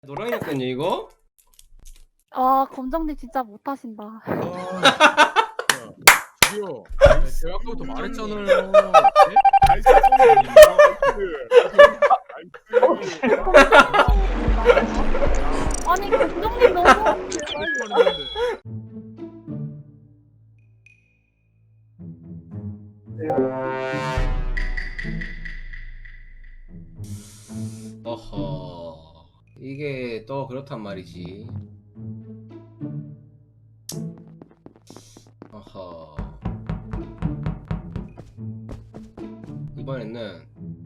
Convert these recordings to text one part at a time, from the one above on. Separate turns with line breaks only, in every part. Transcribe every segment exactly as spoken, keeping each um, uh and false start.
노랑이 났거든요 이거?
아 검정님 진짜 못하신다.
아, 저기요. 제가 아까부터 말했잖아요. 네?
나이스 나이스.
아니 검정님 너무
말했는데.
어허, 이게 또 그렇단 말이지. 어허, 이번에는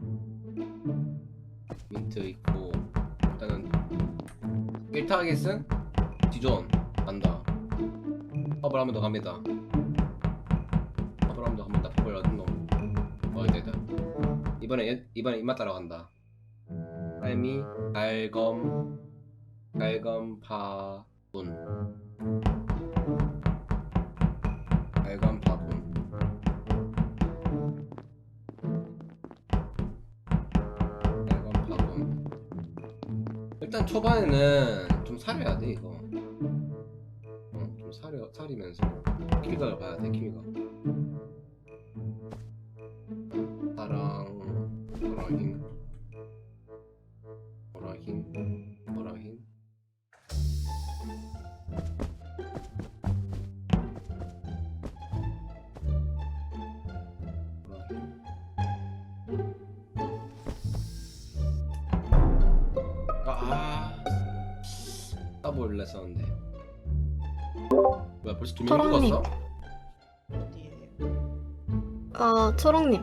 민트 있고 일단은 일 타겟은 디존 간다. 퍼블 한 번 더 갑니다. 퍼블 한 번 더 갑니다. 퍼블 얻은 놈. 어, 됐다. 이번에 이번에 입맛 따라간다. 삶이 갈검 갈검 파분 갈검 파분 갈검 파분. 일단 초반에는 좀 사려야 돼 이거. 어, 좀 사려 사리면서 킬각을 봐야 돼. 킬각. 사랑 사랑인 뭐라긴 뭐라긴 뭐라긴 아 따볼 냈었는데 뭐야 벌써 두 명
초롱님.
죽었어?
어, 초롱님.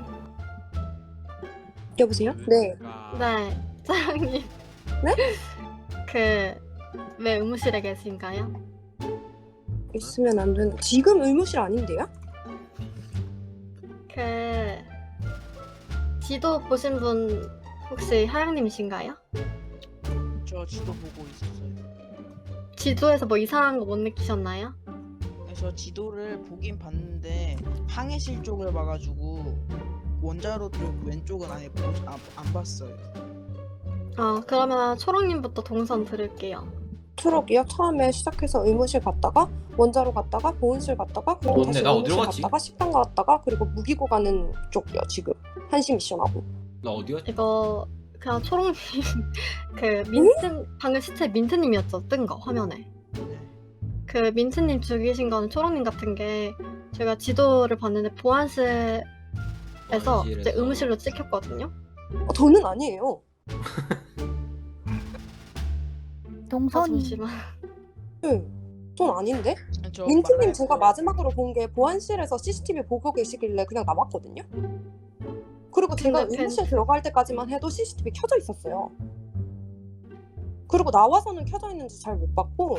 여보세요? 네.
네, 사장님.
네?
그 왜 의무실에 계신가요?
있으면 안 되는. 지금 의무실 아닌데요?
그 지도 보신 분 혹시 하영님이신가요?
저 지도 보고 있었어요.
지도에서 뭐 이상한 거 못 느끼셨나요?
그래서 지도를 보긴 봤는데 항해실 쪽을 봐가지고 원자로 쪽 왼쪽은 아예 보, 아, 안 봤어요.
어, 그러면 초롱님부터 동선 들을게요.
트럭이요? 처음에 시작해서 의무실 갔다가 원자로 갔다가 보온실 갔다가 그리고
뭔데?
다시
나 어디로
의무실
갔지?
갔다가 식당 갔다가 그리고 무기고 가는 쪽이요. 지금 한시 미션하고.
나 어디야?
이거 그냥 초롱님 그 민트 방금 시체 민트님이었죠? 뜬 거 화면에.
네.
그 민트님 죽이신 거는 초롱님 같은 게 제가 지도를 봤는데 보안실에서
보안실에서.
이제 의무실로 찍혔거든요.
어, 저는 아니에요.
아,
동선이
잠시만.
네. 전 아닌데?
저
민트님
말할
제가
거-
마지막으로 본 게 보안실에서 씨씨티비 보고 계시길래 그냥 나왔거든요. 그리고 제가
근데
의무실 들어갈 때까지만 해도 씨씨티비 켜져 있었어요. 그리고 나와서는 켜져 있는지 잘 못 봤고.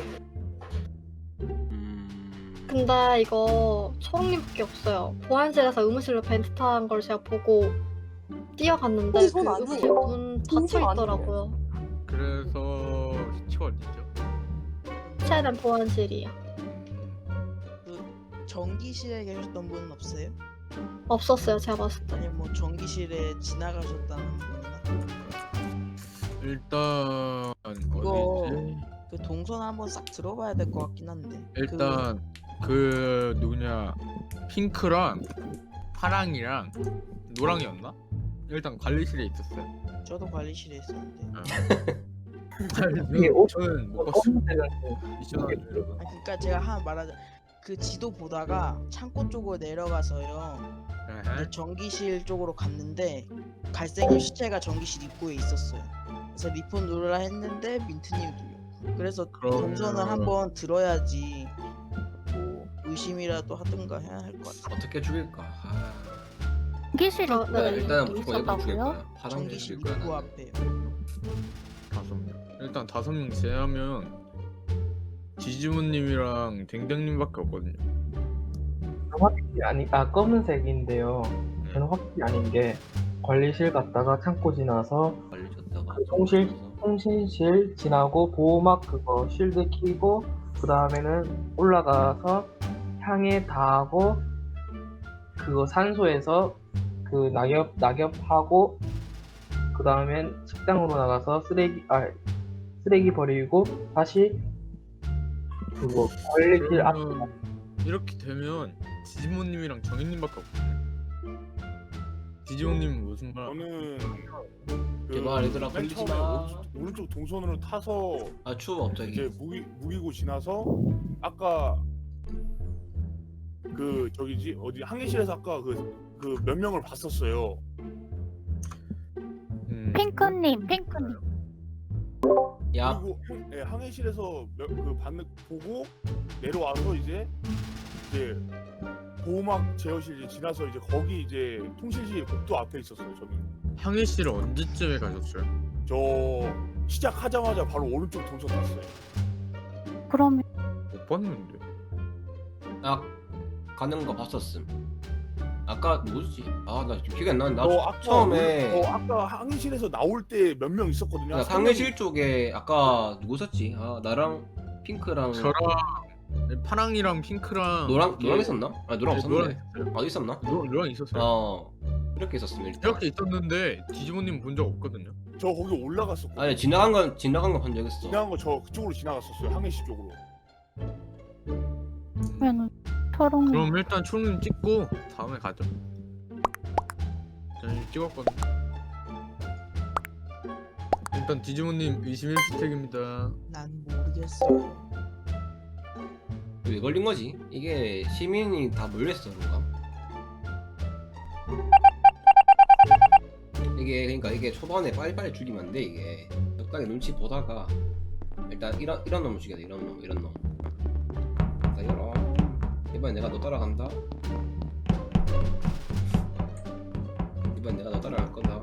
음...
근데 이거 초롱님밖에 없어요. 보안실에서 의무실로 벤트 탄 걸 제가 보고 뛰어갔는데
어,
그
전
의무실
아니에요.
문
진짜
닫혀 있더라고요.
그래서 시체가 어디죠?
최대한 보안실이요.
그 전기실에 계셨던 분은 없어요?
없었어요. 제가 봤을 때.
아니 뭐 전기실에 지나가셨다는 분이나
일단
이거
어디지?
그 동선 한번 싹 들어봐야 될 것 같긴 한데.
일단 그 누구냐 핑크랑 파랑이랑 노랑이었나? 일단 관리실에 있었어요.
그, 저도 관리실에 있었는데.
이게 저는 못 봤어요. 미션 하는 줄.
아 그러니까 제가 하나 말하자. 그 지도 보다가 창고 쪽으로 내려가서요. 근데 전기실 쪽으로 갔는데 갈색의 시체가 전기실 입구에 있었어요. 그래서 리폰 누르라 했는데 민트님 눌렸고. 그래서
그러면-
동선을 한번 들어야지 뭐 의심이라도 하든가 해야 할 것 같아요.
어떻게 죽일까? 아...
기실이
어, 네,
네, 일단은 무조건 이거 죽일
있었다고요?
거야. 파랑
전기실
죽일 거야.
입구
나는.
앞에.
다섯 명. 일단 다섯 명 제하면 지지모님이랑 댕댕님밖에 없거든요.
확실히 아니 아 검은색인데요. 저는 확실히 아닌 게 관리실 갔다가 창고 지나서
걸리셨다가
그 통실 통신실 지나고 보호막 그거 쉴드 키고 그 다음에는 올라가서 향에 닿하고 그거 산소에서 그 낙엽 낙엽하고 그 다음엔 식당으로 나가서 쓰레기 아 쓰레기 버리고 다시 그거 관리실 앞
그러면 이렇게 되면 디지몬님이랑 정인님밖에 없거든요. 디지몬님은 무슨 말?
저는 그
제발 얘들아,
맨
걸리지
처음에
마.
오른쪽, 오른쪽 동선으로 타서
아 추워 갑자기.
이제 무기 무기고 지나서 아까 그 저기지 어디 항해실에서 아까 그 그 몇 명을 봤었어요.
음,
핑크님, 핑크님.
야
그리고 항, 예, 항해실에서 몇, 그 받는 보고 내려와서 이제 이제 보호막 제어실 이제 지나서 이제 거기 이제 통신실 복도 앞에 있었어요. 저는
항해실을 언제쯤에 가셨어요?
저 시작하자마자 바로 오른쪽 동선 탔어요.
그러면
못 봤는데.
나 가는 거 봤었음. 아까 누구지? 아 나 기억이 안 나는데.
저
나
아까
처음에
저 아까 항해실에서 나올 때 몇 명 있었거든요.
나
한
상해실 쪽에 아까 누구 있었지? 아 나랑 핑크랑
저랑 파랑이랑 핑크랑
노랑
이렇게-
노랑 있었나? 아 노랑
네, 노랑
없었네.
있었어요.
아 있었나?
노, 노랑 있었어요.
어 이렇게 있었으면 일단.
이렇게 있었는데 디지몬님 본 적 없거든요.
저 거기 올라갔었고
아니 지나간 건 지나간 건 본 적 있어.
지나간 거 저 그쪽으로 지나갔었어요. 항해실 쪽으로.
그러면 초롱님.
그럼 일단 초롱님 찍고 다음에 가죠. 저는 이미 찍었거든요. 일단 디지몬님 의심 일 스택입니다.
난 모르겠어요.
왜 걸린 거지? 이게 시민이 다 몰려있어 그런가? 이게 그러니까 이게 초반에 빨리빨리 죽이면 안 돼 이게. 적당히 눈치 보다가 일단 이런 이런 놈 죽여야 돼. 이런 놈 이런 놈. 자 이런 이번엔 내가 너 따라간다. 이번엔 내가 너 따라갈 거다.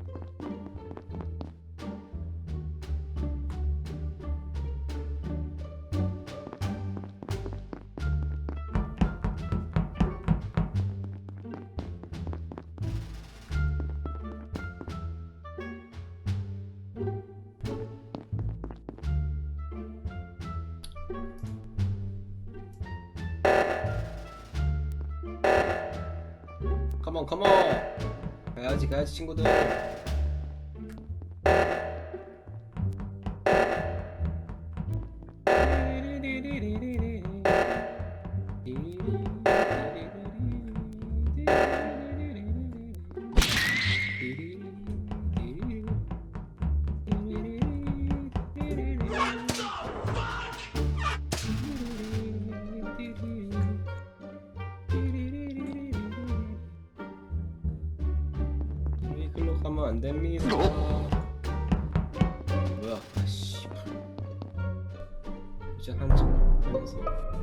컴온 컴온 가야지 가야지 친구들. 글로 가면 안 됩니다. 뭐야? 아씨. 이제 한참 하면서.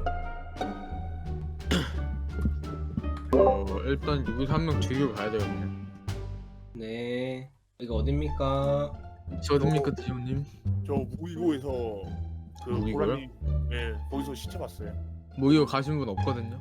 어 일단 여기서 한 명 죽이고 가야 되거든요.
네. 이거 어딥니까?
저 어딥니까 디지몬님?
저 무기고에서 그
무기고요?
보람이 예 거기서 시체 봤어요.
뭐 이거 가신 분 없거든요.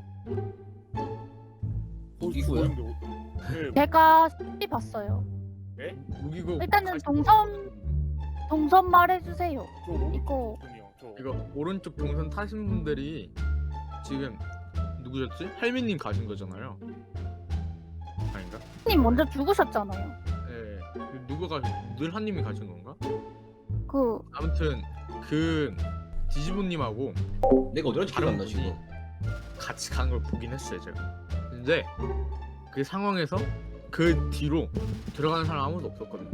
무기고요?
예,
제가 씨 봤어요.
무기고
일단은
가신
동선-
분
동선 말해주세요.
저 오른쪽
이거-
동선이요. 저
이거 오른쪽 동선 타신 분들이 지금 누구셨지? 할미님 가신 거잖아요. 아닌가?
님 먼저 죽으셨잖아요.
예. 그 누가 가신? 늘한님이 가신 건가?
그
아무튼 그 디지몬님하고
내가 어디로 지금
다른
간다 지금?
분이 같이 간 걸 보긴 했어요 제가. 근데 그 상황에서 그 뒤로 들어가는 사람 아무도 없었거든요.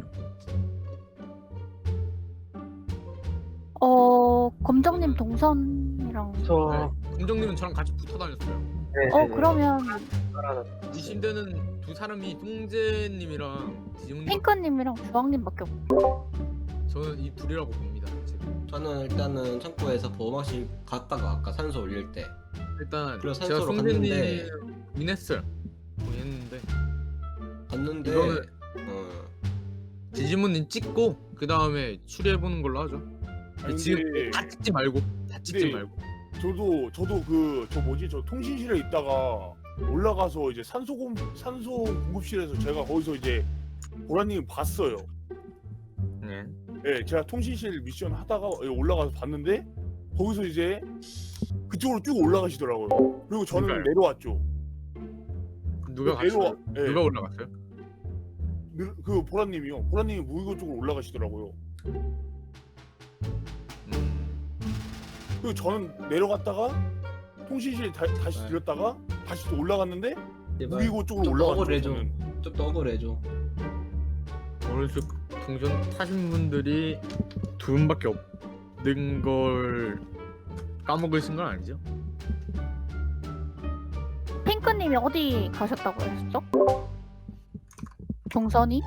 어 검정님 동선이랑
저
검정님은 저랑 같이 붙어 다녔어요.
네,
어
네, 네.
그러면
알아요.
의심되는 두 사람이 뚱제님이랑 디지몬님.
핑크님이랑 주황님밖에 없고.
저는 이 둘이라고 봅니다 지금.
저는 일단은 창고에서 보호막실 갔다가 아까 산소 올릴 때
일단
그래서
제가
산소로
송재님
갔는데
인했어요. 인했는데
갔는데
이거는
어,
디지몬님 찍고 그 다음에 추리해 보는 걸로 하죠.
아니,
지금
근데
다 찍지 말고 다 찍지
네.
말고.
저도 저도 그 저 뭐지 저 통신실에 있다가 올라가서 이제 산소 공 산소 공급실에서 제가 거기서 이제 보라님 봤어요.
네.
예, 제가 통신실 미션 하다가 올라가서 봤는데 거기서 이제 그쪽으로 쭉 올라가시더라고요. 그리고 저는
그러니까요.
내려왔죠.
누가
내려와,
갔어요?
예,
누가 올라갔어요?
느- 그 보라님이요. 보라님이 무기고 쪽으로 올라가시더라고요. 그리고 저는 내려갔다가 통신실 다, 다시
네.
들렸다가 다시 또 올라갔는데
제발
무기고 쪽으로
좀
올라갔죠.
억울해줘.
저는.
좀 더 억울해줘.
오른쪽 동전 타신 분들이 두 분밖에 없는 걸 까먹으신 건 아니죠?
핑크님이 어디 가셨다고 했었죠? 동선이?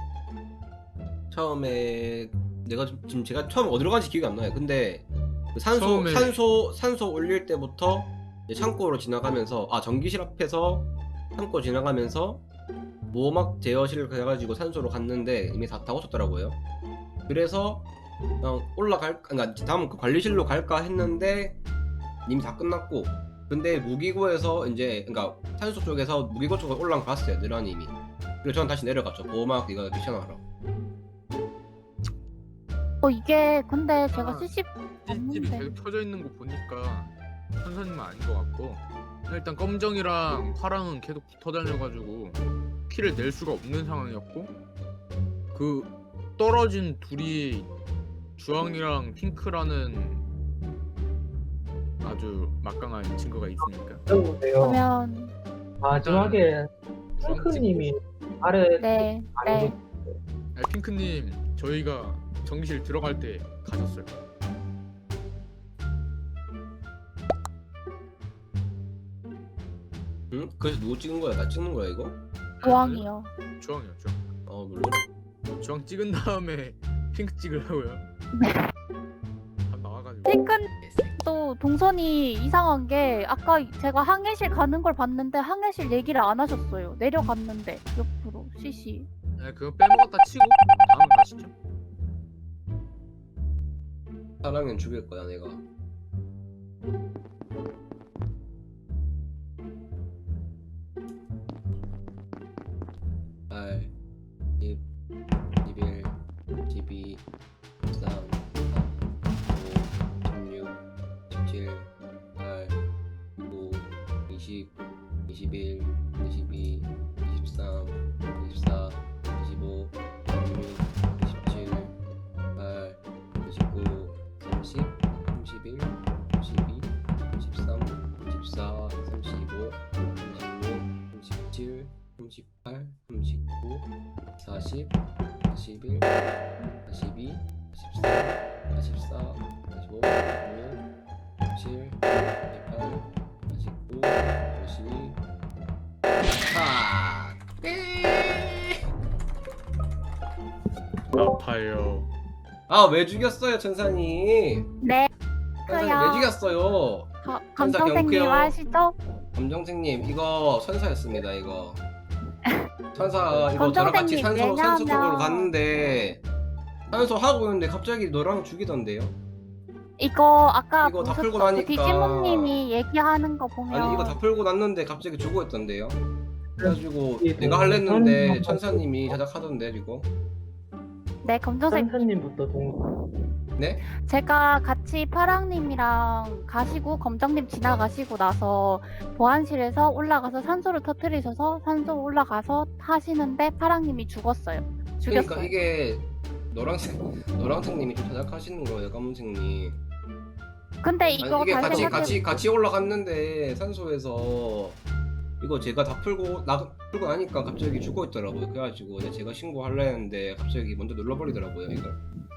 처음에 내가 좀- 지금 제가 처음 어디로 간지 기억이 안 나요. 근데 그 산소
처음에-
산소 산소 올릴 때부터 이제 창고로 지나가면서 아 전기실 앞에서 창고 지나가면서 모막 제어실 가가지고 산소로 갔는데 이미 다 타고 쳤더라고요. 그래서 그냥 올라갈 그러니까 다음 그 관리실로 갈까 했는데 이미 다 끝났고 근데 무기고에서 이제 그러니까 산소 쪽에서 무기고 쪽으로 올라갔어요 느라님이. 그리고 저는 다시 내려갔죠. 보호막 이거 미션하러.
어 이게 근데 제가
아,
씨씨
씨씨티비
없는데.
계속 켜져 있는 거 보니까 선생님은 아닌 것 같고 일단 검정이랑 파랑은 계속 붙어 다녀가지고 키를 낼 수가 없는 상황이었고 그 떨어진 둘이 주황이랑 핑크라는 아주 막강한 친구가 있으니까
여보세요.
그러면
마지막에
주황
핑크님이 아래
네, 네.
아, 핑크님 저희가 전기실 들어갈 때 가셨어요.
응? 그래서 누구 찍은 거야? 나 찍는 거야 이거?
조항이요.
주황이요, 주황.
어 물론.
주황 찍은 다음에 핑크 찍으려고요.
네.
다 나와가지고.
핑크도 동선이 이상한 게 아까 제가 항해실 가는 걸 봤는데 항해실 얘기를 안 하셨어요. 내려갔는데 옆으로 씨씨.
네, 그거 빼먹었다 치고 다음 가시죠.
사랑은 죽일 거야 내가. 팔, 십, 십일, 십이, 십삼, 십오, 십육, 십칠, 팔, 구, 이십, 이십일, 이십이, 이십삼, 이십사, 이십오, 이십육, 이십칠, 팔, 이십구, 삼십, 삼십일, 삼십이, 삼십삼, 삼십사, 삼십오, 삼십육, 삼십칠, 삼십팔, 삼십구, 사십, 사십일, 사십이, 사십삼, 사십사, 사십오, 사십육, 사십칠, 사십팔, 사십구, 사십이. 아! 네.
아파요.
아, 왜 죽였어요, 천사님?
네.
천사님
그요.
왜 죽였어요?
가-
천사
감정생님
경크요.
아시죠?
검정생님 이거 천사였습니다 이거. 천사 이거 저랑 같이
검정생님,
산소 산소 쪽으로
왜냐면-
갔는데 산소 하고 있는데 갑자기 너랑 죽이던데요?
이거 아까
이거 다 풀고
보셨죠? 그
나니까-
디지몬님이 얘기하는 거 보면
아니 이거 다 풀고 났는데 갑자기 죽어 있던데요? 그래가지고
이게
내가
뭐
할랬는데
선생님
천사님이 자작하던데 지금.
네 검정생
선생님부터 동
네?
제가 같이 파랑님이랑 가시고 검정님 지나가시고 나서 보안실에서 올라가서 산소를 터뜨리셔서 산소 올라가서 하시는데 파랑님이 죽었어요. 죽였어요.
그러니까 이게 노란색 노란색님이 좀 자작하시는 거예요 검은색님.
근데 이거
아니, 이게
다시
같이
생각해
같이 같이 올라갔는데 산소에서 이거 제가 다 풀고 나 풀고 나니까 갑자기 죽어 있더라고요. 그래가지고 이제 제가 신고하려 했는데 갑자기 먼저 눌러버리더라고요 이걸.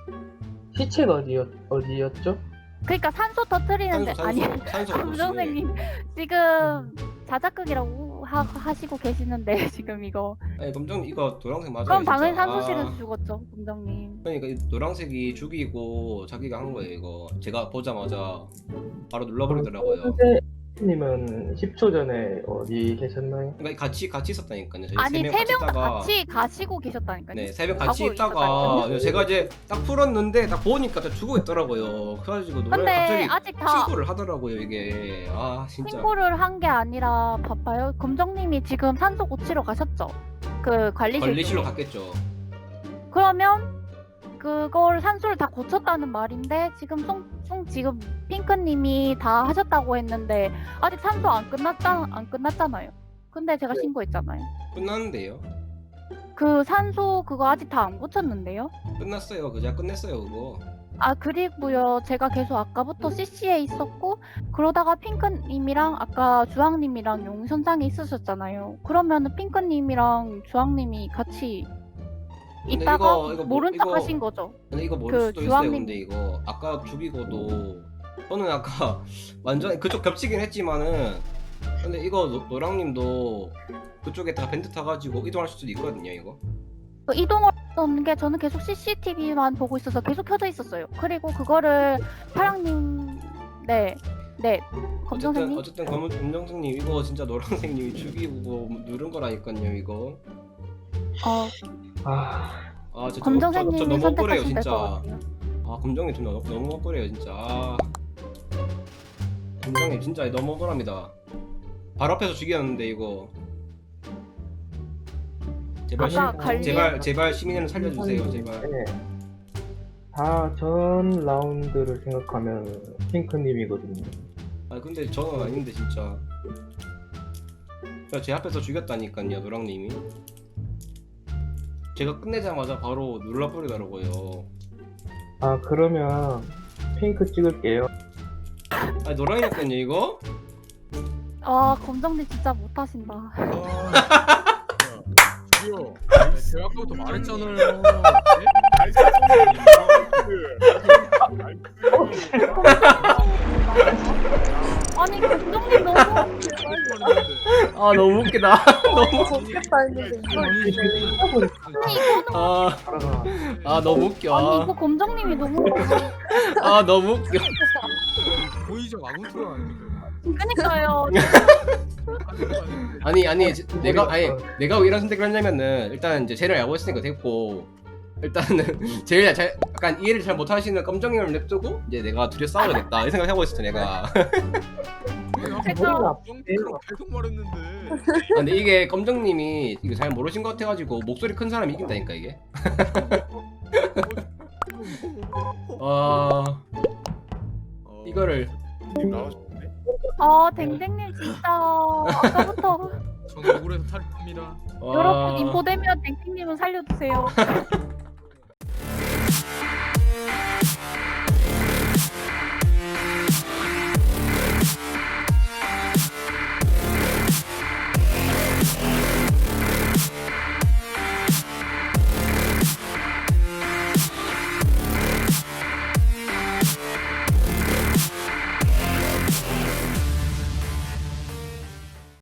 시체가 어디였 어디였죠?
그러니까 산소 터뜨리는데
산소
아니
산소 산소
검정생님 지금 자작극이라고 하, 하시고 계시는데 지금 이거
아니 검정 이거 노란색 맞아요.
그럼
진짜.
당연히 산소실에서
아,
죽었죠 검정님.
그러니까 이 노란색이 죽이고 자기가 한 거예요 이거. 제가 보자마자 바로 눌러버리더라고요.
님은 십 초 전에 어디 계셨나요?
그러니까 같이 같이 있었다니까요. 저희
아니
세 명
세
같이
명 다
있다가
같이 가시고 계셨다니까요.
네, 새벽 같이
가고
있다가
있었다니까요.
제가 이제 딱 풀었는데 딱 보니까 딱 죽어 있더라고요. 그래가지고 노래
근데
갑자기
아직 다
신고를 하더라고요 이게. 아 진짜.
신고를 한 게 아니라 바빠요. 검정님이 지금 산소 고치러 가셨죠? 그 관리실
관리실로
쪽에.
갔겠죠.
그러면 그걸 산소를 다 고쳤다는 말인데 지금 송, 송 지금 핑크님이 다 하셨다고 했는데 아직 산소 안 끝났다 안 끝났잖아요. 근데 제가 신고했잖아요.
끝났는데요.
그 산소 그거 아직 다 안 고쳤는데요?
끝났어요. 그냥 끝냈어요 그거.
아 그리고요 제가 계속 아까부터 씨씨에 있었고 그러다가 핑크님이랑 아까 주황님이랑 용선장에 있으셨잖아요. 그러면은 핑크님이랑 주황님이 같이
근데
있다가
이거- 이거 뭐-
모른 척
이거-
하신 거죠.
근데 이거 모를
그
수도 있어요.
주황님-
근데 이거 아까 죽이고도 저는 아까 완전 그쪽 겹치긴 했지만은 근데 이거 노, 노랑님도 그쪽에다가 벤트 타가지고 이동할 수도 있거든요. 이거.
그 이동하는 게 저는 계속 씨씨티비만 보고 있어서 계속 켜져 있었어요. 그리고 그거를 파랑님 네, 네
어쨌든
검정색님
어쨌든 검 검정색님 이거 진짜 노랑색님이 죽이고 누른 거라니까요. 이거.
어
아,
아, 저, 저, 저, 저
검정색님이
너무 억울해요
선택하시면 될 것
진짜.
같아요.
아 검정님 좀 너무, 너무 억울해요 진짜. 아. 검정님 진짜 너무 억울합니다. 바로 앞에서 죽였는데 이거. 제발
아까
시,
관리-
제발 제발 시민을 살려주세요 제발.
네. 다전 라운드를 생각하면 핑크님이거든요.
아 근데 저는 아닌데 진짜. 제 앞에서 죽였다니까요 노랑님이. 제가 끝내자마자 바로 눌러버리더라고요.
아, 그러면 핑크 찍을게요.
아 노랑이었거든요 이거.
아 검정님 진짜 못하신다.
아, 저기요. 제가 아까부터 말했잖아요. 네?
나이스.
아니 검정님 너무
아 너무 웃기다. 너무.
좋겠다 했는데 이걸
아니 이거는
아,
알아가.
아 너무 웃겨.
아니 이거 검정님이 너무
아 너무 웃겨.
보이죠? 아무튼 아닙니까?
그니까요.
아니 아니 제- 내가 아니 내가 왜 이런 선택을 했냐면은 일단 이제 쟤를 알고 있으니까 됐고 일단은 제일 잘 약간 이해를 잘 못하시는 검정님을 냅두고 이제 내가 둘이 싸워야겠다 이 생각하고 있었죠 내가. 아,
그래서
그럼 계속 말했는데.
근데 이게 검정님이 이거 잘 모르신 것 같아가지고 목소리 큰 사람이 이긴다니까 이게. 아 이거를
나오셨네.
아 댕댕님 진짜 아까부터
저는 억울해서 탈입합니다.
와,
여러분 인포되면 댕댕님은 살려주세요.